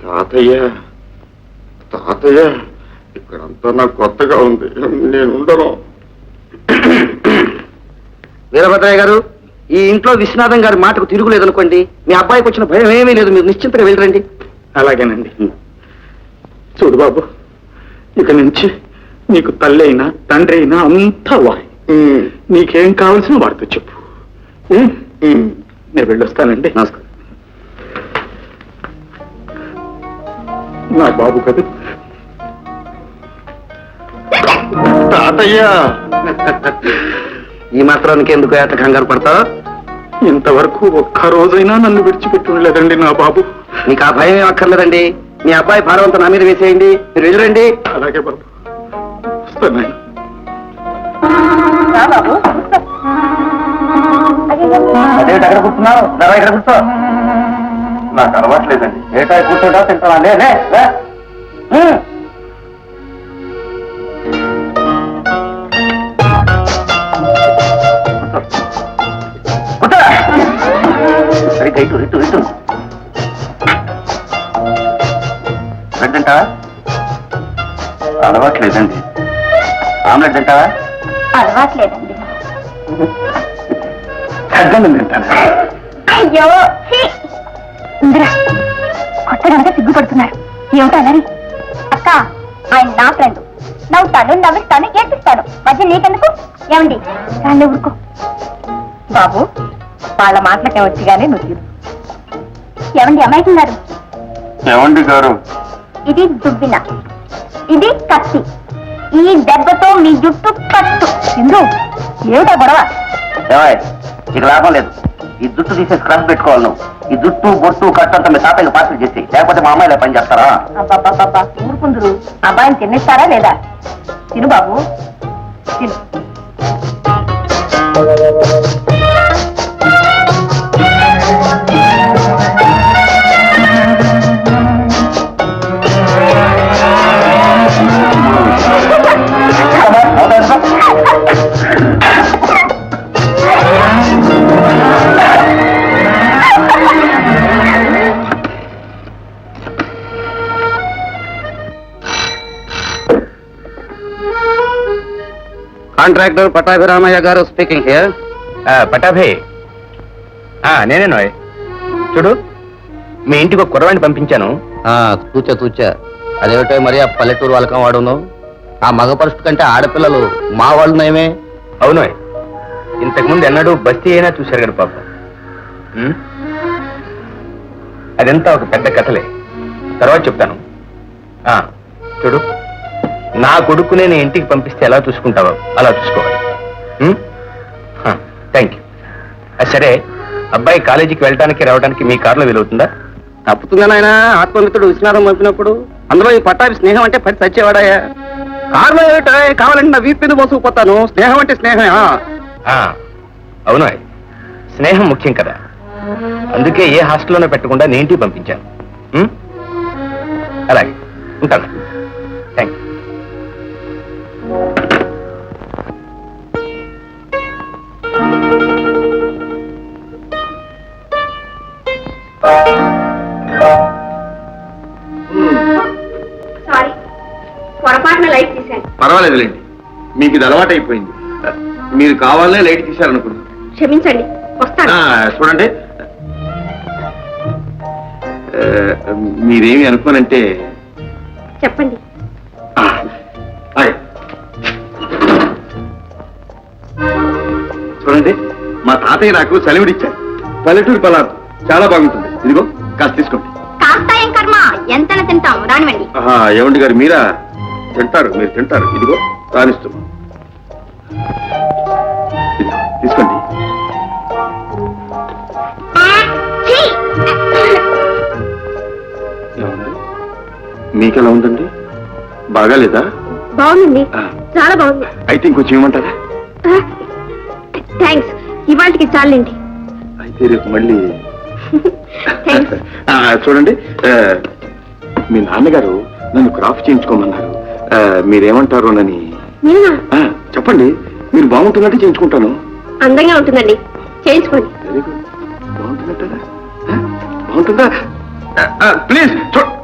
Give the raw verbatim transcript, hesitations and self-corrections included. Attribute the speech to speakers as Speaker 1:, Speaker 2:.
Speaker 1: తాతయ్య తాతయ్య ఇక్కడంతా నాకు కొత్తగా ఉంది, నేను ఉండను.
Speaker 2: వీరభద్రయ్య గారు, ఈ ఇంట్లో విశ్వనాథం గారి మాటకు తిరుగులేదనుకోండి, మీ అబ్బాయికి వచ్చిన భయం ఏమీ లేదు, మీరు నిశ్చింతగా వెళ్ళరండి.
Speaker 3: అలాగేనండి. చూడు బాబు, ఇక నుంచి నీకు తల్లి అయినా తండ్రి అయినా అంతా వాయి. నీకేం కావాల్సిన వాడితో చెప్పు. నేను వెళ్ళొస్తానండి.
Speaker 2: నమస్కారం.
Speaker 3: నా బాబు కదా
Speaker 1: తాతయ్య.
Speaker 2: ఈ మాత్రానికి ఎందుకు ఏట కంగారు పడతావు?
Speaker 3: ఇంతవరకు ఒక్క రోజైనా నన్ను విడిచిపెట్టి ఉండలేదండి నా బాబు.
Speaker 2: మీకు ఆ భయం ఏం అక్కర్లేదండి. మీ అబ్బాయి భారవంతం నా మీద వేసేయండి, మీరు వెళ్ళరండి.
Speaker 3: అలాగే బాబు, వస్తాను.
Speaker 2: అదేమిటి అక్కడ కూర్చున్నావు? నరా ఇక్కడ కూర్చో.
Speaker 1: నాకు అలవాట్లేదండి.
Speaker 2: ఏటా కూర్చోటా తింటావా? లే లే. సరిగ్గా ఇటు ఇటు ఇటు. బ్రెడ్ తింటావా?
Speaker 1: అలవాట్లేదండి.
Speaker 2: ఆమ్లెట్ తింటావా?
Speaker 4: అలవాట్లేదండి.
Speaker 2: తగ్గండి తింటాను.
Speaker 4: అయ్యో ఇందిరా, కొత్తగా సిగ్గుపడుతున్నారు. ఏమిటో అలరి? అక్క, ఆయన నా ఫ్రెండ్. నవ్వుతాను, నవ్విస్తాను, ఏడ్పిస్తాను. మధ్య నీకెందుకు? ఏమండి రాళ్ళు ఊరుకో. బాబు, వాళ్ళ మాటలకే వచ్చి కానీ నువ్వు ఏమండి అమ్మాయికున్నారు?
Speaker 1: ఏమండి గారు?
Speaker 4: ఇది దుబ్బిన, ఇది కత్తి. ఈ దెబ్బతో మీ జుట్టు కట్టు. ఇందు ఏమిటా గొడవ?
Speaker 2: ఇక లాభం లేదు. ఈ జుట్టు తీసేసి క్రష్ పెట్టుకోవాలి నువ్వు. ఈ జుట్టు బొట్టు కట్టంతా మీ తాతయ్య పాత్ర చేసి, లేకపోతే మా అమ్మాయిలా పని చేస్తారా?
Speaker 4: అబ్బాబ్బాబ్బా, ఊరుకుందరు. అబ్బాయిని తినేస్తారా లేదా? తిను బాబు, తిను.
Speaker 2: కాంట్రాక్టర్ పటాభిరామయ్య గారు స్పీకింగ్ హియర్.
Speaker 5: పటాభే, నేనే నోయ్. చూడు, మీ ఇంటికి ఒక కుర్రవాణ్ణి పంపించాను.
Speaker 2: తూచా తూచా. అదేమిటో మరి ఆ పల్లెటూరు వాళ్ళకం వాడును. ఆ మగ పరుషు కంటే ఆడపిల్లలు మా వాళ్ళు నయమే.
Speaker 5: అవునోయ్, ఇంతకుముందు ఎన్నడూ బస్తీ అయినా చూశారు కదా పాప. అదంతా ఒక పెద్ద కథలే, తర్వాత చెప్తాను. చూడు, నా కొడుకు నేను ఇంటికి పంపిస్తే ఎలా చూసుకుంటావో అలా చూసుకోవాలి. Thank you. సరే, అబ్బాయి కాలేజీకి వెళ్ళడానికి రావడానికి మీ కారులో వీలవుతుందా?
Speaker 2: తప్పుతుందా నాయన? ఆత్మమిత్రుడు విశ్వనాథం పంపినప్పుడు అందులో ఈ పట్టాభి స్నేహం అంటే పడి చచ్చేవాడాయా? కారులో ఏమిటా? కావాలంటే నా వీపు మీద మోసుకుపోతాను. స్నేహం అంటే స్నేహమే.
Speaker 5: అవును, స్నేహం ముఖ్యం కదా. అందుకే ఏ హాస్టల్లోనే పెట్టకుండా నేను ఇంటికి పంపించాను. అలాగే ఉంటాను. Thank you.
Speaker 4: సారీ, పొరపాటున లైట్ తీశాను.
Speaker 1: పర్వాలేదులేండి, మీకు ఇది అలవాటైపోయింది. మీరు కావాలనే లైట్ తీశారనుకున్నాను.
Speaker 4: క్షమించండి, వస్తాను.
Speaker 1: చూడండి, మీరేమి అనుకోనంటే
Speaker 4: చెప్పండి.
Speaker 1: చూడండి, మా తాతయ్య నాకు సెలవుడిచ్చారు. పల్లెటూరు పలారు చాలా బాగుంటుంది. ఇదిగో కాస్త తీసుకోండి.
Speaker 4: కాస్త ఏం కర్మ, ఎంతన తింటాం. రానివ్వండి.
Speaker 1: ఏమండి గారు, మీరా? తింటారు, మీరు తింటారు. ఇదిగో రానిస్తున్నాం, తీసుకోండి. మీకెలా ఉందండి? బాగాలేదా?
Speaker 4: బాగుందండి, చాలా బాగుంది.
Speaker 1: అయితే ఇంకొంచెం ఇవ్వమంటారా?
Speaker 4: థ్యాంక్స్, ఇవాళకి చాలండి.
Speaker 1: అయితే రేపు మళ్ళీ. చూడండి, మీ నాన్నగారు నన్ను క్రాఫ్ చేయించుకోమన్నారు. మీరేమంటారు నని చెప్పండి. మీరు బాగుంటున్నట్టు చేయించుకుంటాను.
Speaker 4: అందంగా ఉంటుందండి, చేయించుకోండి.
Speaker 1: Very good. బాగుంటున్నట్టా? బాగుంటుందా? ప్లీజ్